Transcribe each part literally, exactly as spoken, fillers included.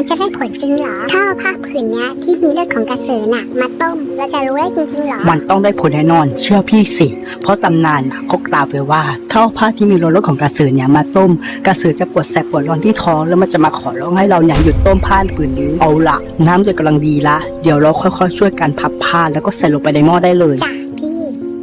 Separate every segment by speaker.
Speaker 1: จะได้ผลจริงเหรอถ้าเอาผ้าผืนนี้ที่มีเลือดของกระสือน่ะมาต้มเราจะรู้ได้จริงๆเหรอ
Speaker 2: มันต้องได้ผลแน่นอนเชื่อพี่สิเพราะตำนานเขากล่าวไว้ว่าถ้าเอาผ้าที่มีรสของกระสือเนี่ยมาต้มกระสือจะปวดแสบปวดร้อนที่ท้องแล้วมันจะมาขอร้องให้เราเนี่ยหยุดต้มผ้าผืนนี้เอาละน้ำจะกำลังดีละเดี๋ยวเราค่อยๆช่วยกันพับผ้าแล้วก็ใส่ลงไปในหม้อได้เลย
Speaker 1: จ้ะพี่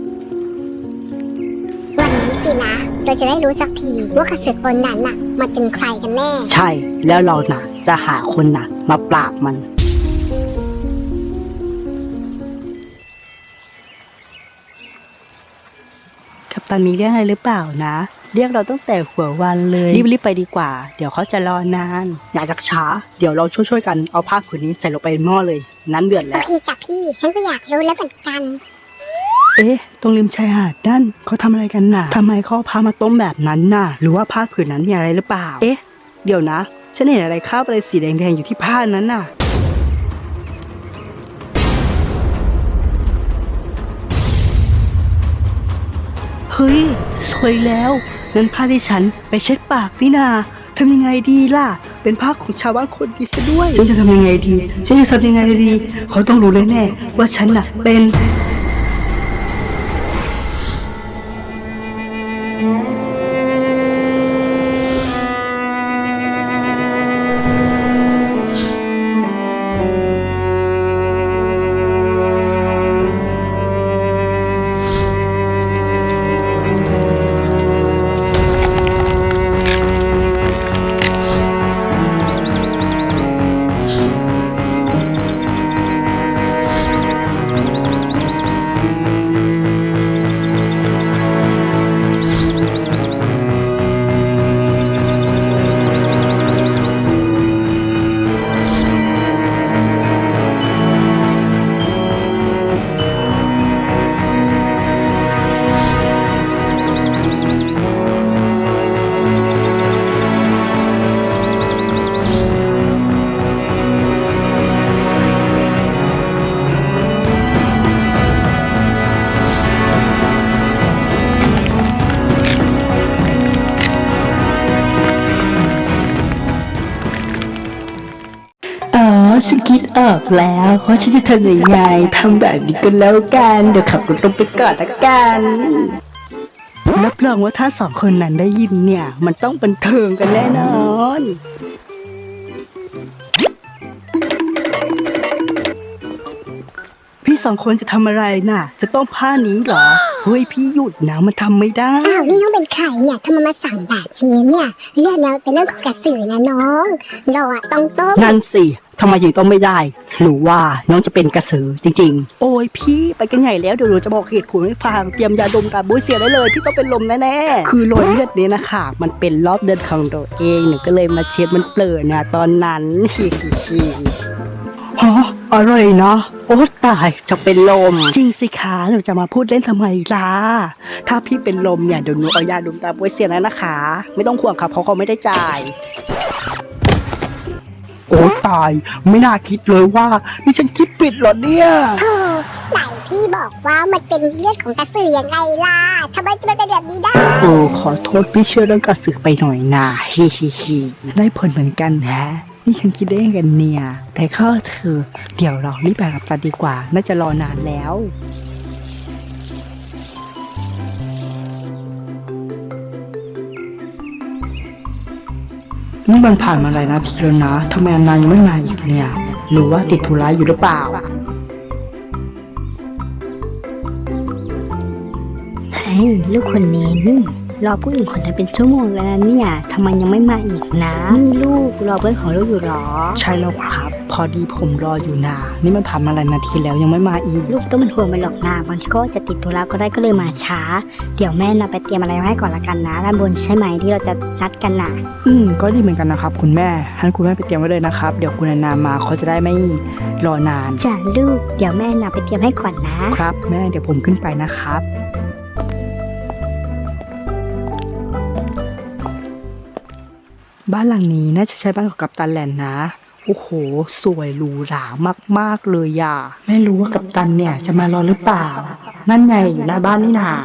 Speaker 1: วันนี้สินะเราจะได้รู้สักทีว่ากระสือตนนั้นน่ะมันเป็นใครกันแน่
Speaker 2: ใช่แล้วเราน่ะจะหาคนน่ะมาปราบมันกัปตันมีเรื่องอะไรหรือเปล่านะเรียกเราตั้งแต่หัววันเลยรีบๆไปดีกว่าเดี๋ยวเขาจะรอนานอย่าจักช้าเดี๋ยวเราช่วยๆกันเอาผ้าผืนนี้ใส่ลงไปในหม้อเลยน้ำเดือดแล้ว
Speaker 1: โอเคจ้ะพี่ฉันก็อยากรู้แล้วเหมือนกัน
Speaker 2: เอ๊ะตรงริมชายหาดนั่นเขาทำอะไรกันน่ะทำไมเขาพามาต้มแบบนั้นน่ะหรือว่าผ้าผืนนั้นมีอะไรหรือเปล่าเอ๊ะเดี๋ยวนะฉันเห็นอะไรคราบอะไรสีแดงๆอยู่ที่ผ้านั้นน่ะเฮ้ยสวยแล้วนั่นผ้าที่ฉันไปเช็ดปากนี่นาทำยังไงดีล่ะเป็นผ้าของชาวบ้านคนดีซะด้วยฉันจะทำยังไงดีฉันจะทำยังไงดีเขาต้องรู้แน่ๆว่าฉันน่ะเป็นฉันคิดออกแล้วว่าฉันจะทำยังไงทำแบบนี้กันแล้วกันเดี๋ยวขับรถลงไปก่อนละกันรับรองว่าถ้าสองคนนั้นได้ยินเนี่ยมันต้องบันเทิงกันแน่นอนพี่สองคนจะทำอะไรน่ะจะต้องผ้านี้เหรอเฮ้ยพี่หยุดนะมันทำไม่ได้
Speaker 1: อ้าวนี่น้องเป็นใครเนี่ยทำไมมาสั่งแบบนี้เนี่ยเรื่องนี้เป็นเรื่องของกระสือนะน้องเราอะต้องต้ม
Speaker 2: นั่นสิทำไมยังต้องไม่ได้หรือว่าน้องจะเป็นกระสือจริงๆโอ้ยพี่ไปกันใหญ่แล้วเดี๋ยวหนูจะบอกเหตุผลให้ฟังเตรียมยาดมกับบุ้ยเสียได้เลยพี่ต้องเป็นลมแน่ๆคือรอยเลือดนี้นะคะมันเป็นรอบเดือนของตัวเองหนูก็เลยมาเช็ดมันเปลือยนะตอนนั้นฮิฮิฮิฮะอะไรนะโอ้ตายจะเป็นลมจริงสิคะหนูจะมาพูดเล่นทำไมล่ะถ้าพี่เป็นลมเนี่ยเดี๋ยวหนูเอายาดมตาบุ้ยเสียแล้วนะคะไม่ต้องห่วงครับเพราะเขาไม่ได้จ่ายโอ้ตายไม่น่าคิดเลยว่านี่ฉันคิดผิดเหรอเนี่ย
Speaker 1: โธ่ไหนพี่บอกว่ามันเป็นเลือดของกระสือยังไงล่ะทำไมมันเป็นแบบนี้ได้
Speaker 2: โอ้ขอโทษพี่เชื่อเรื่องกระสือไปหน่อยนะฮิฮิฮิได้ผลเหมือนกันแฮะนี่ฉันคิดได้กันเนี่ยแต่ข้อเธอเดี๋ยวเรารีบไปกับจันดีกว่าน่าจะรอนานแล้วนี่มันผ่านมาหลายนาทีแล้วนะทำไมนายยังไม่มาอีกเนี่ยหรือว่าติดธุระอยู่หรือเปล่า
Speaker 3: เฮ้ยลูกคนนี้นี่รอผู้อื่นคนนั้นเป็นชั่วโมงแล้วนะเนี่ยทำไมยังไม่มาอีกนะนี่ลูกรอเพื่อนของลูกอยู่หรอ
Speaker 2: ใช่แล้วครับพอดีผมรออยู่นานี่มันผ่านมาหลายนาทีแล้วยังไม่มาอีก
Speaker 3: ลูกต้องเป็นห่วงมันหรอกนะบางทีก็จะติดธุระก็ได้ก็เลยมาช้าเดี๋ยวแม่นะไปเตรียมอะไรให้ก่อนละกันนะด้านบนใช่ไหมที่เราจะนัดกันนะ
Speaker 2: อืมก็ดีเหมือนกันนะครับคุณแม่ให้คุณแม่ไปเตรียมไว้เลยนะครับเดี๋ยวคุณนามาเขาจะได้ไม่รอนาน
Speaker 3: จ้ะลูกเดี๋ยวแม่นะไปเตรียมให้ก่อนนะครับ
Speaker 2: แม่เดี๋ยวผมขึ้นไปนะครับบ้านหลังนี้น่าจะใช้บ้านของกัปตันแหลนนะโอ้โหสวยหรูหรามากๆเลยอ่ะไม่รู้ว่ากัปตันเนี่ยจะมารอหรือเปล่านั่นไงอยู่หน้าบ้านนี่นา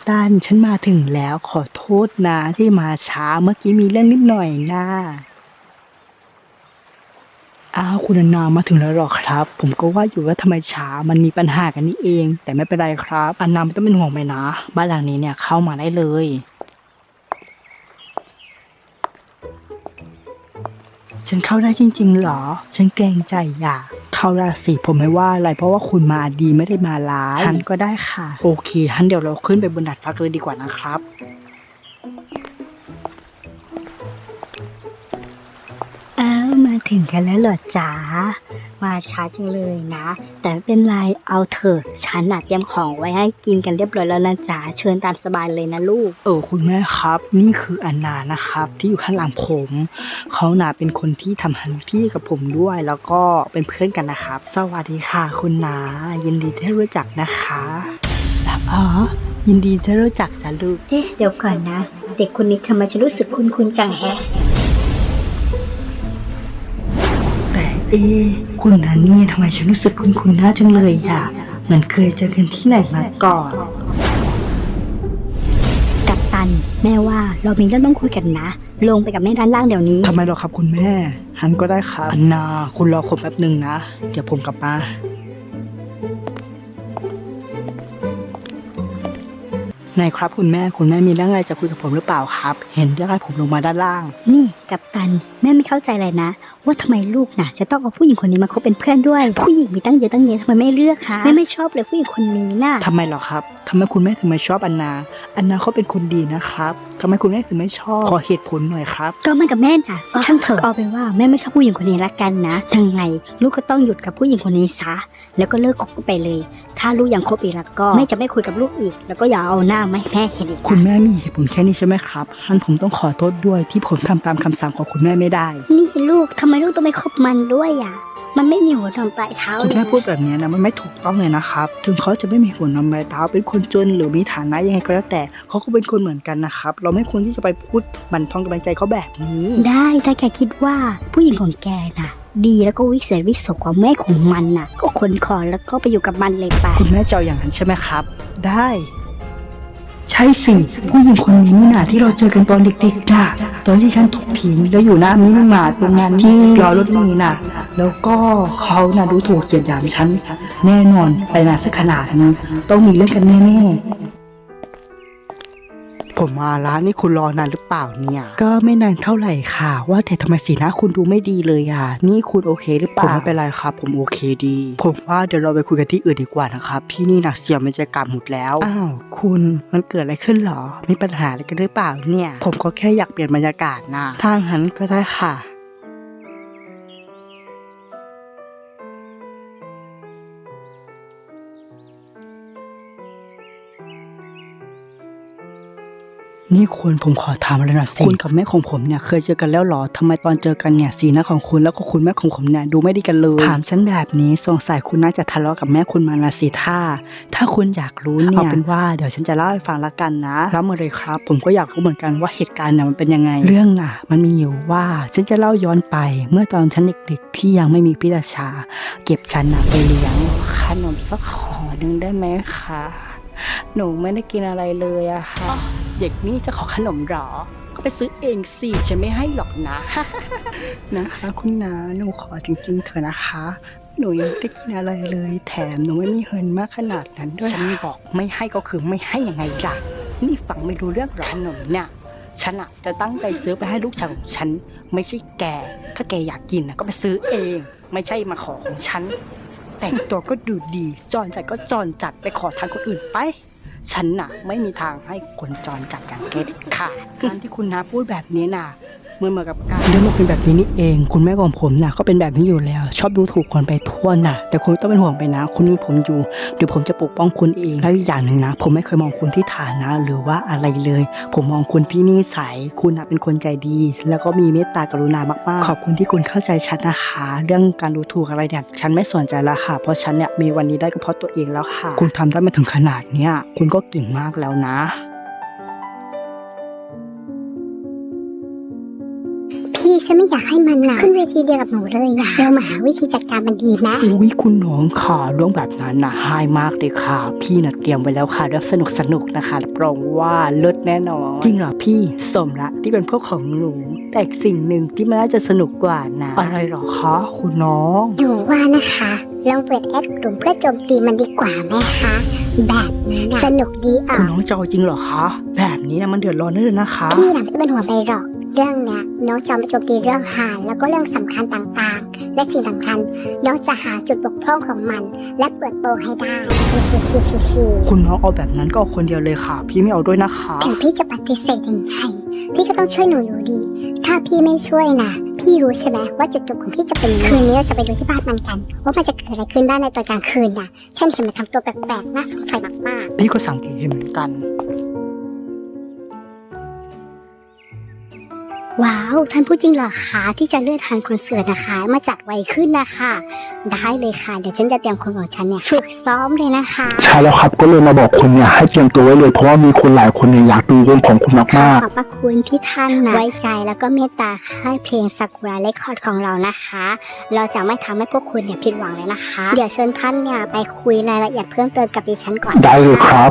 Speaker 2: ตันฉันมาถึงแล้วขอโทษนะที่มาช้าเมื่อกี้มีเรื่องนิดหน่อยนะอ้าวคุณอนนามาถึงแล้วหรอครับผมก็ว่าอยู่ว่าทำไมช้ามันมีปัญหากันนี่เองแต่ไม่เป็นไรครับอนนาไม่ต้องเป็นห่วงไปนะบ้านหลังนี้เนี่ยเข้ามาได้เลยฉันเข้าได้จริงๆเหรอฉันเกรงใจอย่าเข้าได้สิผมไม่ว่าอะไรเพราะว่าคุณมาดีไม่ได้มาร้ายฮันก็ได้ค่ะโอเคฮันเดี๋ยวเราขึ้นไปบนดาดฟ้าเลยดีกว่านะครับ
Speaker 3: อ้าวมาถึงกันแล้วเหรอจ๋ามาช้าจังเลยนะ แต่ไม่เป็นไรเอาเถอะฉันน่ะเตรียมของไว้ให้กินกันเรียบร้อยแล้วนะจ๋าเชิญตามสบายเลยนะลูก
Speaker 2: เออคุณแม่ครับนี่คืออันนานะครับที่อยู่ข้างหลังผมเขาน่ะเป็นคนที่ทำฮันพี่กับผมด้วยแล้วก็เป็นเพื่อนกันนะครับสวัสดีค่ะคุณนายินดีที่รู้จักนะคะอ๋อยินดีที่รู้จักจ้ะลูก
Speaker 3: เอ๊ะเดี๋ยวก่อนนะเด็กคนนี้ทำไมฉันรู้สึกคุ้นๆจังแฮะ
Speaker 2: เอ๊ะคุณนานี่ทำไมฉันรู้สึกคุ้นๆหน้าจังเลยอ่ะเหมือนเคยเจอกันที่ไหนมาก่อน
Speaker 3: กัปตันแม่ว่าเรามีเรื่องต้องคุยกันนะลงไปกับแม่ด้านล่างเดี๋ยวนี้
Speaker 2: ทำไมหรอครับคุณแม่ฮันก็ได้ครับอันนาคุณรอผมแป๊บหนึ่งนะเดี๋ยวผมกลับมาไหนครับคุณแม่คุณแม่มีเรื่องอะไรจะคุยกับผมหรือเปล่าครับเห็นเรื่องให้ผมลงมาด้านล่าง
Speaker 3: นี่กัปตันแม่ไม่เข้าใจเลยนะว่าทำไมลูกน่ะจะต้องเอาผู้หญิงคนนี้มาคบเป็นเพื่อนด้วยผู้หญิงมีตั้งเยอะตั้งแยะทำไมไม่เลือกคะแม่ไม่ชอบเลยผู้หญิงคนนี้น่ะ
Speaker 2: ทำไมหรอครับทำไมคุณแม่ถึงไม่ชอบอันนาอันนาเขาเป็นคนดีนะครับทำไมคุณแม่ถึงไม่ชอบขอเหตุผลหน่อยครับ
Speaker 3: ก็มันกับแม่น่ะช่างเถอะเอาเป็นว่าแม่ไม่ชอบผู้หญิงคนนี้ละกันนะทั้งไงลูกก็ต้องหยุดกับผู้หญิงคนนี้ซะแล้วก็เลิกคบไปเลยถ้าลูกยังคบอีกแล้วก็แม่จะไม่คุยกับลูกอีกแล้วก็อย่าเอาหน้ามาให้แม่เห็นอีก
Speaker 2: คุณแม่มีเหตุผลแค่นี้ใช่ไหมครับฮันผมต้องขอโทษด้วยที่ผมทำตามคำสั่งของคุณแม่ไม่ได้
Speaker 3: นี่ลูกทำไมลูกต้องไปคบมันด้วยอ่ะมันไม่มีหัวนมปลายเท้า
Speaker 2: คุณแม่พูดแบบนี้นะมันไม่ถูกต้องเลยนะครับถึงเขาจะไม่มีหัวนมปลายเท้าเป็นคนจนหรือมีฐานะยังไงก็แล้วแต่เขาก็เป็นคนเหมือนกันนะครับเราไม่ควรที่จะไปพูดบั่นทอนกำลังใจเขาแบบนี้
Speaker 3: ได้ถ้าแกคิดว่าผู้หญิงของแกน่ะดีแล้วก็วิเศษวิโสกว่าแม่ของมันน่ะก็ขนคอแล้วก็ไปอยู่กับมันเลยไป
Speaker 2: คุณแม่เจ้าอย่างนั้นใช่ไหมครับได้ใช่สิผู้หญิงคนนี้นี่นะที่เราเจอกันตอนเด็กๆน่ะตอนที่ฉันถูกทิ้งแล้วอยู่หน้ามินิมาร์ทตรงนั้นที่รอรถเมล์น่ะแล้วก็เขาน่ะดูถูกเกียดหยามฉันแน่นอนไปนานสักขนาดนี้ต้องมีเรื่องกันแน่ๆผมมาร้านนี่คุณรอนานหรือเปล่าเนี่ยก็ไม่นานเท่าไหร่ค่ะว่าแต่ทำไมสีหน้าคุณดูไม่ดีเลยอ่ะนี่คุณโอเคหรือเปล่าผมไม่เป็นไรครับผมโอเคดีผมว่าเดี๋ยวเราไปคุยกันที่อื่นดีกว่านะครับที่นี่นะเสียบรรยากาศหมดแล้วอ้าวคุณมันเกิดอะไรขึ้นหรอมีปัญหาอะไรกันหรือเปล่าเนี่ยผมก็แค่อยากเปลี่ยนบรรยากาศนะถ้างั้นก็ได้ค่ะนี่คุณผมขอถามอะไรหน่อยสิคุณกับแม่ของผมเนี่ยเคยเจอกันแล้วหรอทำไมตอนเจอกันเนี่ยสีหน้าของคุณแล้วก็คุณแม่ของผมเนี่ยดูไม่ดีกันเลยถามฉันแบบนี้สงสัยคุณน่าจะทะเลาะกับแม่คุณมาละสิท่าถ้าคุณอยากรู้เนี่ยเอาเป็นว่าเดี๋ยวฉันจะเล่าให้ฟังละกันนะรับมาเลยครับผมก็อยากรู้เหมือนกันว่าเหตุการณ์เนี่ยมันเป็นยังไงเรื่องน่ะมันมีอยู่ว่าฉันจะเล่าย้อนไปเมื่อตอนฉันเด็กๆที่ยังไม่มีพิตาชาเก็บฉันน่ะไปเลี้ยงขนมสักห่อหนึ่งได้ไหมคะหนูไม่ได้กินอะไรเลยอะค่ะเด็กนี่จะขอขนมหรอก็ไปซื้อเองสิฉันไม่ให้หรอกนะ นะคะคุณนาหนูขอจริงๆเถอะนะคะหนูยังไม่ได้กินอะไรเลยแถมหนูไม่มีเงินมากขนาดนั้นด้วยฉันบอกไม่ให้ก็คือไม่ให้ยังไงล่ะนี่ฟังไม่รู้เรื่องหรอขนมเนี่ยฉันอะจะตั้งใจซื้อไปให้ลูกชายของฉันไม่ใช่แกถ้าแกอยากกินนะก็ไปซื้อเองไม่ใช่มาขอของฉันแต่งตัวก็ดูดีจอนจัดก็จอนจัดไปขอทานคนอื่นไปฉันน่ะไม่มีทางให้คนจรจัดอย่างแกเด็ดขาดการที่คุณน้าพูดแบบนี้น่ะเหมือนเหมือนกับการเรื่องมันเป็นแบบนี้นี่เองคุณแม่ของผมน่ะก็เป็นแบบนี้อยู่แล้วชอบดูถูกคนไปทั่วน่ะแต่คุณต้องเป็นห่วงไปนะคุณมีผมอยู่เดี๋ยวผมจะปกป้องคุณเองแล้วอีกอย่างหนึ่งนะผมไม่เคยมองคุณที่ฐานะหรือว่าอะไรเลยผมมองคุณที่นิสัยคุณน่ะเป็นคนใจดีแล้วก็มีเมตตากรุณามากๆขอบคุณที่คุณเข้าใจฉันนะคะเรื่องการดูถูกอะไรเนี่ยฉันไม่สนใจแล้วค่ะเพราะฉันเนี่ยมีวันนี้ได้ก็เพราะตัวเองแล้วค่ะคุณทำได้มาถึงขนาดเนี้ยคุณก็เก่งมากแล้วนะ
Speaker 1: พี่พี่ฉันไม่อยากให้มันนะขึ้นเวทีเดียวกับหนูเลยอะเรามาหาวิธีจัดการมันดีไหม
Speaker 2: อุ้ยคุณน้องค่ะเรื่องแบบนั้นนะหายมากเลยค่ะ พี่น่ะเตรียมไว้แล้วค่ะเรื่องสนุกสนุกๆนะคะรับรองว่าเลิศแน่นอนจริงเหรอพี่สมละที่เป็นพวกของหนูแต่อีกสิ่งหนึ่งที่มันน่าจะสนุกกว่านะอะไรหรอคะคุณน้อง
Speaker 1: หนูว่านะคะลองเปิดแอดกลุ่มเพื่อโจมตีมันดีกว่าไหมคะแบบนี้นะสนุกดีอ่ะ
Speaker 2: คุณน้องจะเอาจริงเหรอคะแบบนี้นะมันเดือดร้อนเลยนะคะ
Speaker 1: พี่น่ะไม่ต้องเป็นห่วงไปหรอกเรื่องเนี้ยน้องจะเอามาโจมตีเรื่องหายแล้วก็เรื่องสำคัญต่างๆ และสิ่งสำคัญน้องจะหาจุดบกพร่องของมัน และเปิดโปงให้ได้ชิ
Speaker 2: คุณน้องเอาแบบนั้นก็เอาคนเดียวเลยค่ะ พี่ไม่เอาด้วยนะคะ
Speaker 1: ถึงพี่จะปฏิเสธยังไงพี่ก็ต้องช่วยหนูอยู่ดี ถ้าพี่ไม่ช่วยนะพี่รู้ใช่ไหมว่าจุดจบของพี่จะเป็นยังไงคืนนี้เราจะไปดูที่บ้านมันกันว่ามันจะเกิดอะไรขึ้นบ้างในตอนกลางคืนนะฉันเห็นมันทำตัวแปลกๆน่าสงสัยมากๆ
Speaker 2: พี่ก็สังเกตเห็นเหมือนกัน
Speaker 3: ว้าวท่านพูดจริงเหรอคะที่จะเลื่อนทานคอนเสิร์ตนะคะมาจัดไวขึ้นนะคะได้เลยค่ะเดี๋ยวฉันจะเตรียมคนของฉันเนี่ยฝึกซ้อมเลยนะคะ
Speaker 4: ใช่แล้วครับก็เลยมาบอกคุณเนี่ยให้เตรียมตัวไว้เลยเพราะว่ามีคนหลายคนเนี่ยอยากดูวงของคุณ
Speaker 3: ข
Speaker 4: มาก
Speaker 3: อบพระคุณที่ท่านนะไว้ใจแล้วก็เมตตาค่ายเพลงซากุระเรคคอร์ดของเรานะคะ เราจะไม่ทำให้พวกคุณเนี่ยผิดหวังเลยนะคะ เดี๋ยวเชิญท่านเนี่ยไปคุยรายละเอียดเพิ่มเติมกับดิฉันก่อน
Speaker 4: ๆได้เลยครับ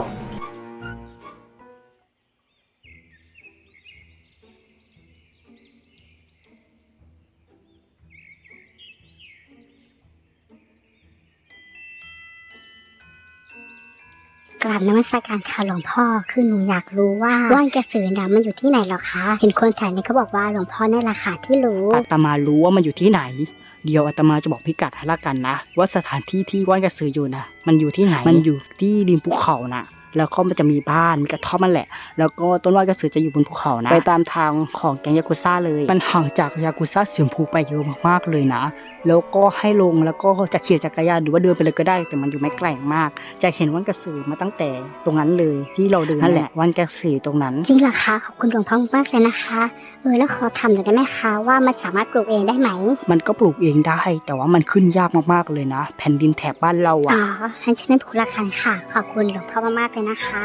Speaker 3: กราบนมัสการค่ะหลวงพ่อคือหนูอยากรู้ว่าว่านกระสือน่ะมันอยู่ที่ไหนหรอคะ เห็นคนแถวนี้เขาบอกว่าหลวงพ่อนั่นแหละค่ะที่รู้
Speaker 2: อาตมารู้ว่ามันอยู่ที่ไหน เดี๋ยวอาตมาจะบอกพิกัดให้ละกันนะ ว่าสถานที่ที่ว่านกระสืออยู่นะมันอยู่ที่ไหน มันอยู่ที่ริมภูเขานะแล้วก็มันจะมีบ้านมีกระท่อมมันแหละ แล้วก็ต้นว่านกระสือจะอยู่บนภูเขานะไปตามทางของแก๊งยากุซ่าเลยมันห่างจากยากุซ่าเสียมพูไปเยอะมากๆเลยนะ แล้วก็ให้ลงแล้วก็จะขี่จักรยานหรือว่าเดินไปเลยก็ได้แต่มันอยู่ไม่ไกลมาก จะเห็นว่านกระสือมาตั้งแต่ตรงนั้นเลยที่เราเดินนั่นแหละว่านกระสือตรงนั้น
Speaker 3: จริงเหรอคะขอบคุณหลวงพ่อมากเลยนะคะเออแล้วขอทำหน่อยได้ไหมคะว่ามันสามารถปลูกเองได้ไหม
Speaker 2: มันก็ปลูกเองได้ แต่ว่ามันขึ้นยากมากๆเลยนะ แผ่นดินแถบบ้านเรา
Speaker 3: อ๋
Speaker 2: อะ
Speaker 3: อฉันจะไม่ผูกละคันค่ะ ขอบคุณหลวงพ่อมากๆเลยนะคะ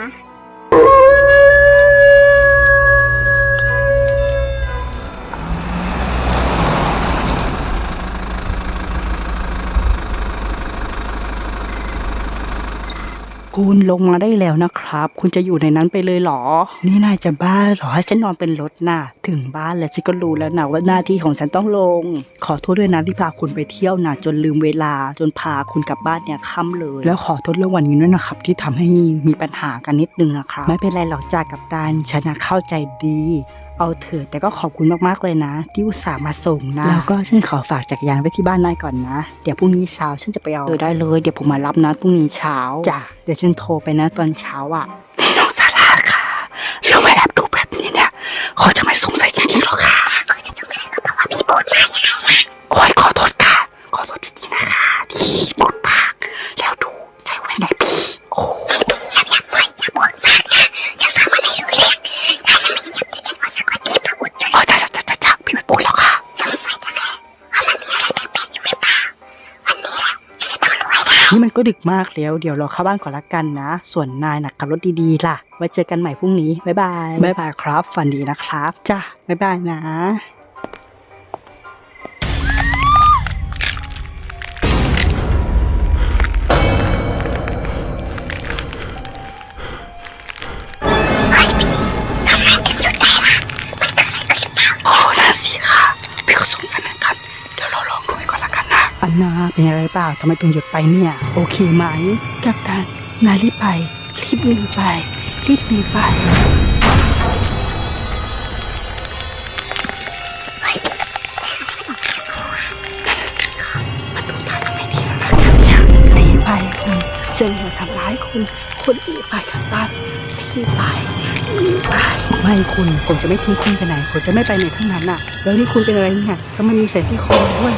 Speaker 2: คุณลงมาได้แล้วนะครับ คุณจะอยู่ในนั้นไปเลยเหรอ นี่นายจะบ้าเหรอให้ฉันนอนเป็นรถน่ะถึงบ้านแล้วฉันก็รู้แล้วนะว่าหน้าที่ของฉันต้องลง ขอโทษด้วยนะที่พาคุณไปเที่ยวนะจนลืมเวลาจนพาคุณกลับบ้านเนี่ยค่ำเลย แล้วขอโทษเรื่องวันนี้ด้วยนะครับ ที่ทำให้มีปัญหากันนิดนึงนะครับไม่เป็นไรหรอกจ้ากัปตันฉันน่ะเข้าใจดีเอาเถอะแต่ก็ขอบคุณมากๆเลยนะที่อุตส่าห์มาส่งนะแล้วก็ฉันขอฝากจักรยานไว้ที่บ้านนายก่อนนะเดี๋ยวพรุ่งนี้เช้าฉันจะไปเอาเออได้เลยเดี๋ยวผมมารับนะพรุ่งนี้เช้าจ้ะเดี๋ยวฉันโทรไปนะตอนเช้าอ่ะนี่น้องซาร่าค่ะเรื่องมาแอบดูแบบนี้เนี่ยเขาจะไม่สงสัยจริงๆหรอคะเขาจะสงสัยก็เพราะว่าพี่พูดมาอย่างไรโอ้ยขอโทษค่ะขอโทษจริงๆนะคะที่พูดปากแล้วดูใจไว้ไหนพี่โอ้พี่อย่าอย่าปล่อยอย่าพูดมากนะฉันฟังมันไม่รู้เรื่องถ้ายังไม่เงียบเดี๋ยวฉันเอาสักวันที่มาอุดเลยอ๋อจ้าจ้าจ้าจ้าพี่ไม่พูดหรอกค่ะสงสัยจังเลยว่ามันมีอะไรแปลกๆอยู่หรือเปล่าวันนี้แหละฉันจะต้องรู้ให้ได้นี่มันก็ดึกมากแล้วเดี๋ยวเราเข้าบ้านก่อนละกันนะส่วนนายนะขับรถดีๆล่ะไว้เจอกันใหม่พรุ่งนี้บ๊ายบายบ๊ายบายครับฝันดีนะครับจ้าบ๊ายบายนะอันนาเป็นอะไรเปล่าทำไมต้องหยุดไปเนี่ยโอเคไหมกัปตันนายรีบไปรีบหนีไปรีบหนีไปมันดูท่าจะไม่ดีแล้วนะเนี่ยหนีไปคุณจะเหนียวทำร้ายคุณคุณหนีไปกัปตันหนีไปหนีไปไม่คุณผมจะไม่ทิ้งคุณไปไหนผมจะไม่ไปไหนทั้งนั้นน่ะแล้วนี่คุณเป็นอะไรเนี่ยก็ไม่มีเศษที่คอด้วย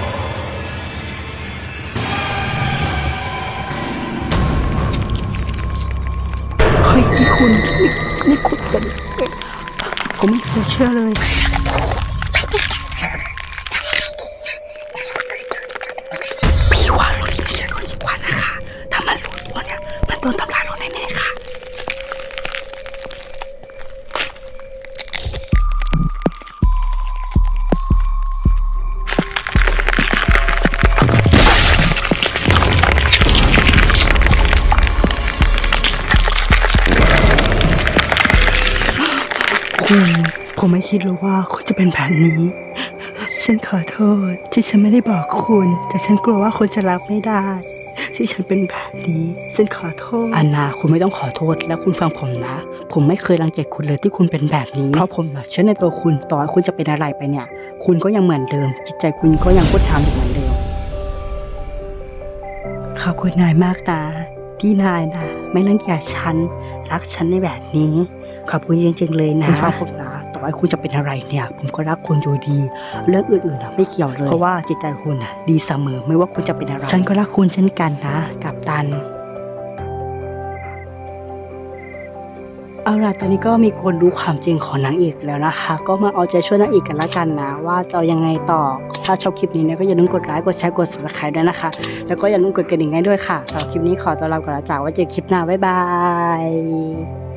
Speaker 2: นี่คุณนี่นี่คุณเป็นผมไม่เคยเชื่อเลยพี่ว่าเราที่ไม่เชื่อเขาดีกว่านะคะถ้ามันรู้ตัวเนี่ยมันโดนทำร้ายเราแน่ๆค่ะคุณผมไม่คิดเลยว่าคุณจะเป็นแบบนี้ ฉันขอโทษที่ฉันไม่ได้บอกคุณ แต่ฉันกลัวว่าคุณจะรับไม่ได้ ที่ฉันเป็นแบบนี้ฉันขอโทษอันนาคุณไม่ต้องขอโทษแล้วคุณฟังผมนะ ผมไม่เคยรังเกียจคุณเลยที่คุณเป็นแบบนี้เพราะผมนะเชื่อในตัวคุณต่อให้คุณจะเป็นอะไรไปเนี่ย คุณก็ยังเหมือนเดิม จิตใจคุณก็ยังพุทธามอยู่เหมือนเดิมขอบคุณนายมากนะที่นายนะไม่รังเกียจฉันรักฉันในแบบนี้ขอบคุณจริงๆเลยนะคุณฟังผมนะต่อให้คุณจะเป็นอะไรเนี่ย ผมก็รักคุณอยู่ดี เรื่องอื่นๆนะไม่เกี่ยวเลยเพราะว่าจิตใจคุณนะดีเสมอไม่ว่าคุณจะเป็นอะไรฉันก็รักคุณเช่นกันนะกัปตันเอาล่ะตอนนี้ก็มีคนรู้ความจริงของนางเอกแล้วนะคะ ก็มาเอาใจช่วยนางเอกกันละกันนะว่าจะเอายังไงต่อถ้าชอบคลิปนี้เนี่ยก็อย่าลืมกดไลค์กดแชร์กด ซับสไครบ์ ด้วยนะคะแล้วก็อย่าลืมกดกระดิ่งให้ด้วยค่ะสำหรับคลิปนี้ขอตัวลาไปก่อนแล้วจ้าไว้เจอคลิปหน้าบ๊ายบาย